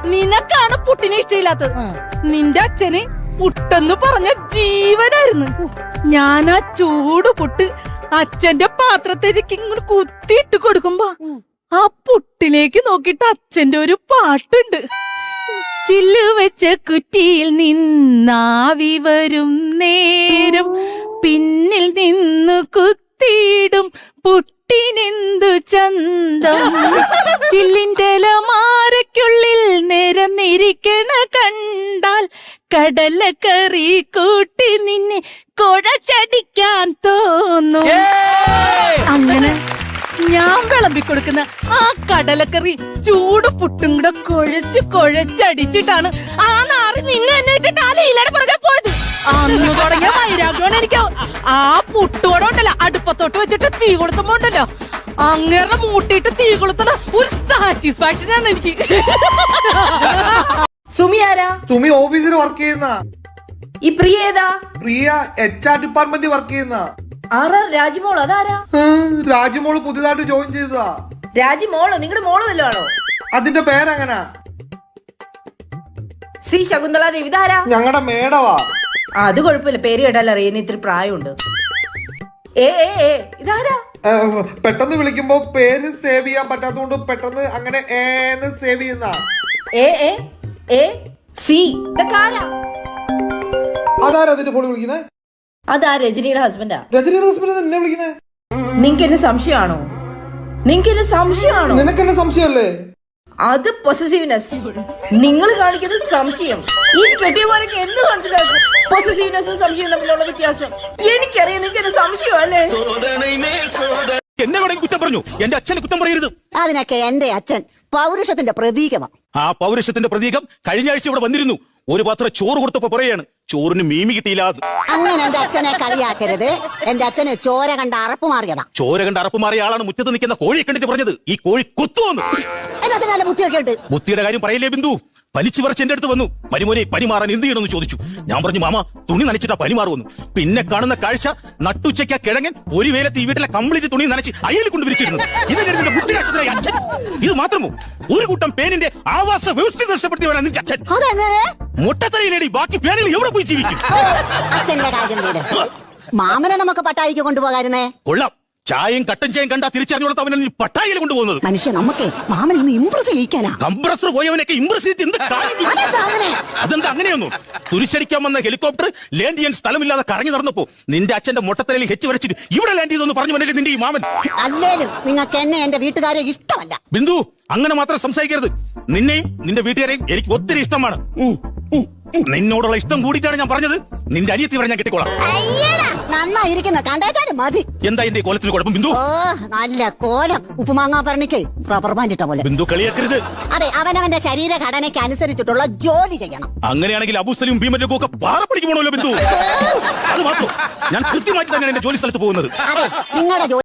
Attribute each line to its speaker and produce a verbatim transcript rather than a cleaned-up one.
Speaker 1: നിനക്കാണ് പുട്ടിനെ ഇഷ്ടമില്ലാത്തത്. നിന്റെ അച്ഛന് പുട്ടെന്ന് പറഞ്ഞ ജീവനായിരുന്നു. ഞാൻ ആ ചൂട് പുട്ട് അച്ഛന്റെ പാത്രത്തിലേക്ക് ഇങ്ങനെ കുത്തിയിട്ട് കൊടുക്കുമ്പോ ആ പുട്ടിലേക്ക് നോക്കിട്ട് അച്ഛന്റെ ഒരു പാട്ടുണ്ട്. ചില്ല് വെച്ച കുറ്റിയിൽ നിന്നാവി വരും നേരം പിന്നിൽ നിന്നു കുത്തിയിടും പുട്ടിനെന്തു ചന്തം. ചില്ലിന്റെ മാരയ്ക്കുള്ളിൽ നിരന്നിരിക്കണ കണ്ടാൽ കടലക്കറി കൂട്ടി നിന്നെ കുഴച്ചടിക്കാൻ തോന്നും. അങ്ങനെ ഞാൻ വിളമ്പിക്കൊടുക്കുന്ന ആ കടലക്കറി ചൂട് പുട്ടും കൂടെ കുഴച്ച് കുഴച്ചടിച്ചിട്ടാണ് ആ നാറി നിങ്ങൾ എന്നെ ഇട്ടിട്ട് ആ ലീലയുടെ പുറകെ പോയത്. അന്ന് തുടങ്ങിയ വൈരാഗ്യമാണ് എനിക്ക്. ആ പുട്ടുകൂടെ ഉണ്ടല്ലോ അടുപ്പത്തോട്ട് വെച്ചിട്ട് തീ കൊളുത്തുമ്പോ ഉണ്ടല്ലോ അങ്ങനെ മൂട്ടിയിട്ട് തീ കൊളുത്തണ ഒരു സാറ്റിസ്ഫാക്ഷൻ ആണ് എനിക്ക്.
Speaker 2: സുമി ആരാ?
Speaker 3: സുമി ഓഫീസിൽ വർക്ക് ചെയ്യുന്ന.
Speaker 2: ഈ പ്രിയ ഏതാ?
Speaker 3: Priya H R department work ചെയ്യുന്ന.
Speaker 2: ആറാ രാജിമോൾ? അതാരാ?
Speaker 3: രാജിമോള് പുതിയതായിട്ട് ജോയിൻ ചെയ്തതാ.
Speaker 2: രാജിമോളോ? നിങ്ങളുടെ മോള് വല്ലോ ആണോ?
Speaker 3: അതിന്റെ പേരെങ്ങനാ?
Speaker 2: സി ശകുന്തള ദേവി. ഇതാരാ?
Speaker 3: ഞങ്ങളുടെ മേടവാ.
Speaker 2: അത് കുഴപ്പമില്ല, പേര് കേട്ടാൽ അറിയാൻ ഇത്തിരി പ്രായമുണ്ട്. ഏ ഏ ഏ ഇതാരാ?
Speaker 3: പെട്ടെന്ന് വിളിക്കുമ്പോ പേര് സേവ് ചെയ്യാൻ പറ്റാത്തതുകൊണ്ട് പെട്ടെന്ന് അങ്ങനെ ഏന്ന് സേവ് ചെയ്യുന്ന.
Speaker 2: ഏ ഏ ഏ സി ഇതൊക്കെ ആരാ?
Speaker 3: അതാരാ അതിന്റെ ഫോൺ വിളിക്കുന്നത്?
Speaker 2: അതാ രജനിയുടെ ഹസ്ബൻഡാ.
Speaker 3: രജനിയുടെ ഹസ്ബൻഡ് എന്നെ വിളിക്കുന്നത്?
Speaker 2: നിങ്ങക്ക് എന്നെ സംശയമാണോ? നിങ്ങക്ക് എന്നെ സംശയമാണോ?
Speaker 3: നിനക്ക് എന്നെ സംശയമല്ലേ?
Speaker 2: അത് പൊസസീവ്നെസ്. നിങ്ങൾ കാണിക്കുന്നത് സംശയം. ഈ കെട്ടിയമാരൊക്കെ എന്ത് മനസ്സിലാക്കും പൊസസീവ്നെസ്സും സംശയവും തമ്മിലുള്ള വ്യത്യാസം? എനിക്കറിയാം നിങ്ങൾക്ക് എന്നെ സംശയം അല്ലേ?
Speaker 4: എന്നെ വേണമെങ്കിൽ കുറ്റം പറഞ്ഞു, എന്റെ അച്ഛനെ കുറ്റം പറയരുത്.
Speaker 5: അതിനൊക്കെ എന്റെ അച്ഛൻ പൗരുഷത്തിന്റെ പ്രതീകമാണ്.
Speaker 4: ആ പൗരുഷത്തിന്റെ പ്രതീകം കഴിഞ്ഞ ആഴ്ച ഇവിടെ വന്നിരുന്നു. ഒരു പാത്രം ചോറ് കൊടുത്തപ്പോ പറയാണ് ചോറിന് മീമി കിട്ടിയില്ല.
Speaker 5: അങ്ങനെ എന്റെ അച്ഛനെ കളിയാക്കരുത്. എന്റെ അച്ഛന് ചോര കണ്ട അറപ്പ് മാറിയതാ.
Speaker 4: ചോര കണ്ട അറപ്പ് മാറിയ ആളാണ് മുറ്റത്ത് നിൽക്കുന്ന കോഴിയെ കണ്ടിട്ട് പറഞ്ഞത് ഈ കോഴി കുത്തുവന്നു.
Speaker 5: അതിനകത്ത് നല്ല ബുദ്ധിയൊക്കെ ഉണ്ട്.
Speaker 4: ബുദ്ധിയുടെ കാര്യം പറയില്ലേ ബിന്ദു? വലിച്ചു പറിച്ച് എന്റെ അടുത്ത് വന്നു. പനിമോനെ പനി മാറാൻ എന്ത് ചെയ്യണമെന്ന് ചോദിച്ചു. ഞാൻ പറഞ്ഞു മാമ തുണി നനച്ചിട്ടാ പനി മാറുമെന്ന്. പിന്നെ കാണുന്ന കാഴ്ച നട്ടുച്ചയ്ക്ക കിഴങ്ങൻ ഒരു വേലത്ത് ഈ വീട്ടിലെ കംപ്ലീറ്റ് തുണി നനച്ച് അയ്യൽ കൊണ്ട് വിരിച്ചിരുന്നു. ഇതിന്റെ ബുദ്ധിരാഷ്ട്രത്തിലെ അച്ഛൻ. ഇത് മാത്രമോ ഒരു കൂട്ടം പേനിന്റെ ആവാസ വ്യവസ്ഥ നഷ്ടപ്പെടുത്തിയവരാണ് നിന്റെ അച്ഛൻ. മുട്ടത്തലയിലേടി ബാക്കി പേനിൽ എവിടെ പോയി ജീവിക്കും?
Speaker 5: അച്ഛന്റെ കാര്യം വീട്. മാമനെ നമുക്ക് പട്ടായിക്ക് കൊണ്ടുപോകാരുന്നേ.
Speaker 4: കൊള്ളാം. ചായയും കട്ടൻ ചായയും കണ്ടാ തിരിച്ചറിഞ്ഞോളത്ത് അവനെ പട്ടായിൽ കൊണ്ടുപോകുന്നത്.
Speaker 5: മനുഷ്യ നമുക്ക് മാമൻ ഇന്ന് ഇംപ്രസ് ചെയ്യിക്കാനാ.
Speaker 4: കംപ്രസർ പോയവനൊക്കെ ഇംപ്രസ് ചെയ്ത് എന്ത് അതെന്താ അങ്ങനെയൊന്നും? തുരിശടിക്കാൻ വന്ന ഹെലികോപ്റ്റർ ലാൻഡ് ചെയ്യാൻ സ്ഥലമില്ലാതെ കറങ്ങി നടന്നപ്പോ നിന്റെ അച്ഛന്റെ മുട്ടത്തലയിൽ ഹെച്ച് വരച്ചിട്ട് ഇവിടെ ലാൻഡ് ചെയ്തെന്ന് പറഞ്ഞു വന്നിട്ട് നിന്റെ ഈ മാമൻ.
Speaker 5: അല്ലേലും നിങ്ങൾക്ക് എന്നെ എന്റെ വീട്ടുകാരെ ഇഷ്ടമല്ല.
Speaker 4: ബിന്ദു അങ്ങനെ മാത്രം സംസാരിക്കരുത്. നിന്നെയും നിന്റെ വീട്ടുകാരെയും എനിക്ക് ഒത്തിരി ഇഷ്ടമാണ്. നിന്നോടുള്ള ഇഷ്ടം കൂടിയിട്ടാണ് ഞാൻ പറഞ്ഞത്. നിന്റെ അനിയത്തി വരെ ഞാൻ കെട്ടിക്കോളാം.
Speaker 5: നന്നായിരിക്കുന്ന കണ്ടേച്ചാലും മതി.
Speaker 4: എന്താ എന്റെ കോലത്തിന് കുഴപ്പം ബിന്ദു?
Speaker 5: ഓ നല്ല കോലം. ഉപ്പുമാങ്ങാ പറഞ്ഞിക്ക് റബ്ബർ ബാൻഡിട്ട പോലെ.
Speaker 4: ബിന്ദു കളിയാക്കരുത്.
Speaker 5: അതെ, അവനവന്റെ ശരീരഘടനയ്ക്ക് അനുസരിച്ചിട്ടുള്ള ജോലി ചെയ്യണം.
Speaker 4: അങ്ങനെയാണെങ്കിൽ അബൂസലും ഭീമന്റെയും ഒക്കെ പാറപ്പടിക്ക് പോകണമല്ലോ ബിന്ദു. അത് മാത്രം ഞാൻ കൃത്യമായിട്ട് തന്നെയാണ് എന്റെ ജോലി സ്ഥലത്ത് പോകുന്നത്.
Speaker 5: നിങ്ങളുടെ